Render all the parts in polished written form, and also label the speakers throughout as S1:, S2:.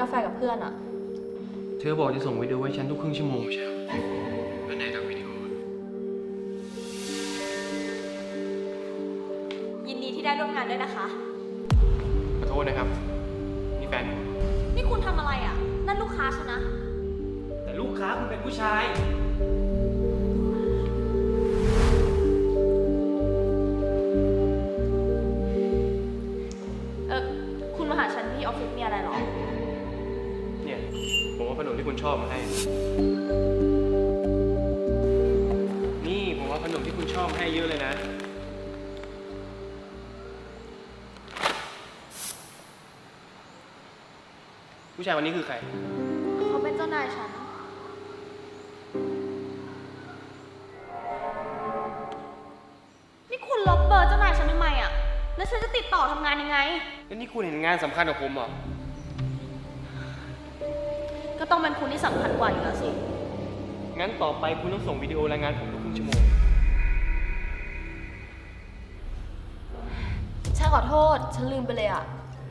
S1: กาแฟกับเพื่อนอะ
S2: เธอบอกจะส่งวิดีโอให้ฉันทุกครึ่งชั่วโมงใช่ไหมแล้วไหนทำวิดีโอ
S1: ยินดีที่ได้ร่วมงานด้วยนะคะ
S2: ขอโทษนะครับนี่แฟนผม
S1: นี่คุณทำอะไรอะนั่นลูกค้าฉันนะ
S2: แต่ลูกค้าคุณเป็นผู้ชาย
S1: คุณมาหาฉันที่ออฟฟิศมีอะไรหรอ
S2: เนี่ยผมว่าขนมที่คุณชอบมาให้นี่ผมว่าขนมที่คุณชอบมาให้เยอะเลยนะผู้ชายวันนี้คือใคร
S1: เขาเป็นเจ้านายฉันนี่คุณลบเบอร์เจ้านายฉันทำไมอะแล้วฉันจะติดต่อทำงานยังไง
S2: แล้วนี่คุณเห็นงานสำคัญของผมเหรอ
S1: ก็ต้องเป็นคุณที่สำคัญกว่าอยู่แล้วสิ
S2: งั้นต่อไปคุณต้องส่งวิดีโอรายงานผมทุกครึ่งชั่วโมง
S1: ฉันขอโทษฉันลืมไปเลยอะ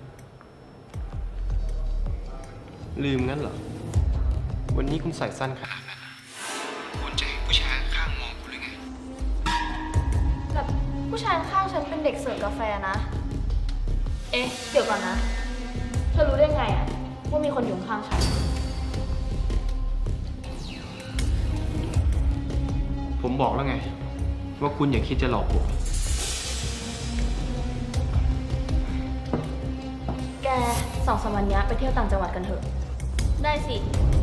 S2: ลืมงั้นเหรอวันนี้คุณใส่สั้นขนาดนั้นคุณจะให้ผู้ชายข้างมองคุณหรือไง
S1: แบบผู้ชายข้างฉันเป็นเด็กเสิร์ฟกาแฟนะเอ๊ะเดี๋ยวก่อนนะเธอรู้ได้ไงอะว่ามีคนอยู่ข้างฉัน
S2: ผมบอกแล้วไงว่าคุณอย่าคิดจะหลอกผม
S1: แก2-3 วันนี้ไปเที่ยวต่างจังหวัดกันเถอะได้สิ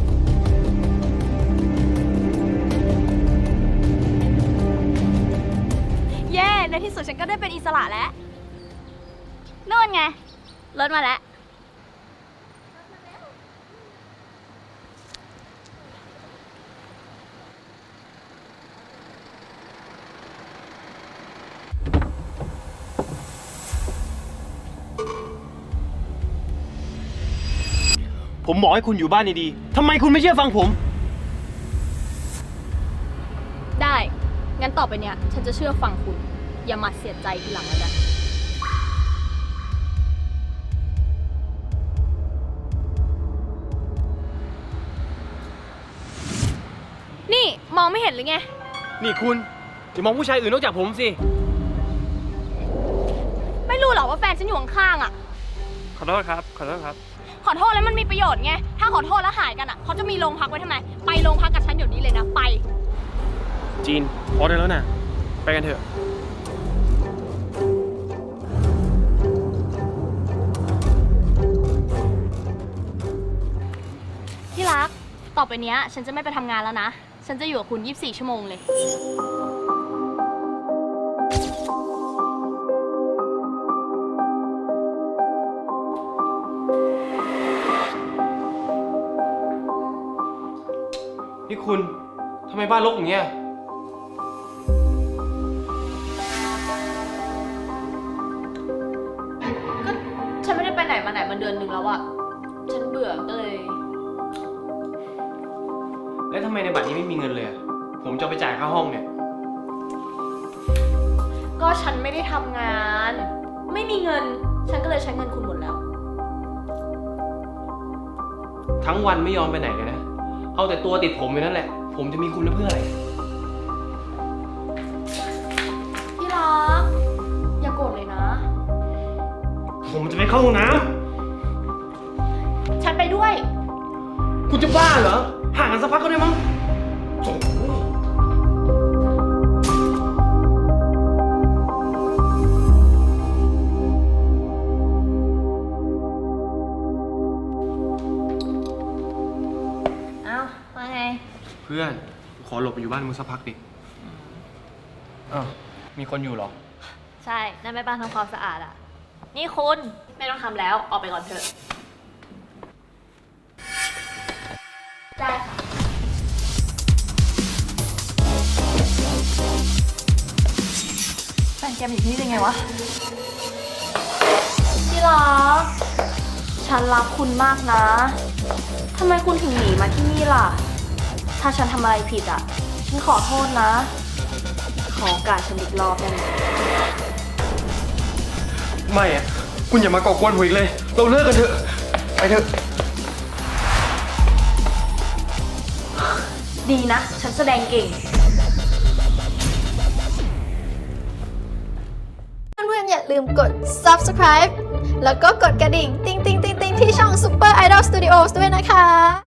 S1: เย้ในที่สุดฉันก็ได้เป็นอิสระแล้วนู่นไงรถมาแล้ว
S2: ผมบอกให้คุณอยู่บ้านดีๆทำไมคุณไม่เชื่อฟังผม
S1: ได้งั้นต่อไปเนี้ยฉันจะเชื่อฟังคุณอย่ามาเสียใจทีหลังแล้วกันนี่มองไม่เห็นหรือไง
S2: นี่คุณอย่ามองผู้ชายอื่นนอกจากผมสิ
S1: ไม่รู้หรอว่าแฟนฉันอยู่ข้างๆอ่ะ
S2: ขอโทษครับขอโทษครับ
S1: ขอโทษแล้วมันมีประโยชน์ไงถ้าขอโทษแล้วหายกันอ่ะเขาจะมีโรงพักไว้ทำไมไปโรงพักกับฉันเดี๋ยวนี้เลยนะไป
S2: จีนพอได้แล้วนะไปกันเถอะ
S1: ที่รักต่อไปเนี้ยฉันจะไม่ไปทำงานแล้วนะฉันจะอยู่กับคุณ24 ชั่วโมงเลย
S2: นี่คุณทำไมบ้านรกอย่างเงี้ย
S1: ก็ฉันไม่ได้ไปไหนมาไหนมาเดือนหนึ่งแล้วอะฉันเบื่อก็เลย
S2: แล้วทำไมในบัตรนี้ไม่มีเงินเลยอะผมจะไปจ่ายค่าห้องเนี่ย
S1: ก็ฉันไม่ได้ทำงานไม่มีเงินฉันก็เลยใช้เงินคุณหมดแล้ว
S2: ทั้งวันไม่ยอมไปไหนเลยนะเอาแต่ตัวติดผมอยู่นั่นแหละผมจะมีคุณเพื่ออะไร
S1: ที่รักอย่าโกรธเลยนะ
S2: ผมจะไปเข้าห้องน้
S1: ำฉันไปด้วย
S2: คุณจะบ้าเหรอห่างกันสักพักก็ได้มั้งเพื่อนขอหลบไปอยู่บ้านมึงสักพักดิอ้าวมีคนอยู่เหรอ
S1: ใช่นั่นแม่บ้านทำความสะอาดอ่ะนี่คุณไม่ต้องทำแล้วออกไปก่อนเถอะได้ค่ะแฟนแกอยู่ที่นี่ได้ไงวะที่รักฉันรักคุณมากนะทำไมคุณถึงหนีมาที่นี่ล่ะถ้าฉันทำอะไรผิดอ่ะฉันขอโทษนะขอโอกาสฉันอีกรอบได้ไหม
S2: ไม่อะคุณอย่ามาก่อกวนผมอีกเลยเราเลิกกันเถอะไปเถอะ
S1: ดีนะ ฉันแสดงเก่ง
S3: เพื่อนๆอย่าลืมกด subscribe แล้วก็กดกระดิ่ง ติ๊งๆๆๆที่ช่อง Super Idol Studios ด้วยนะคะ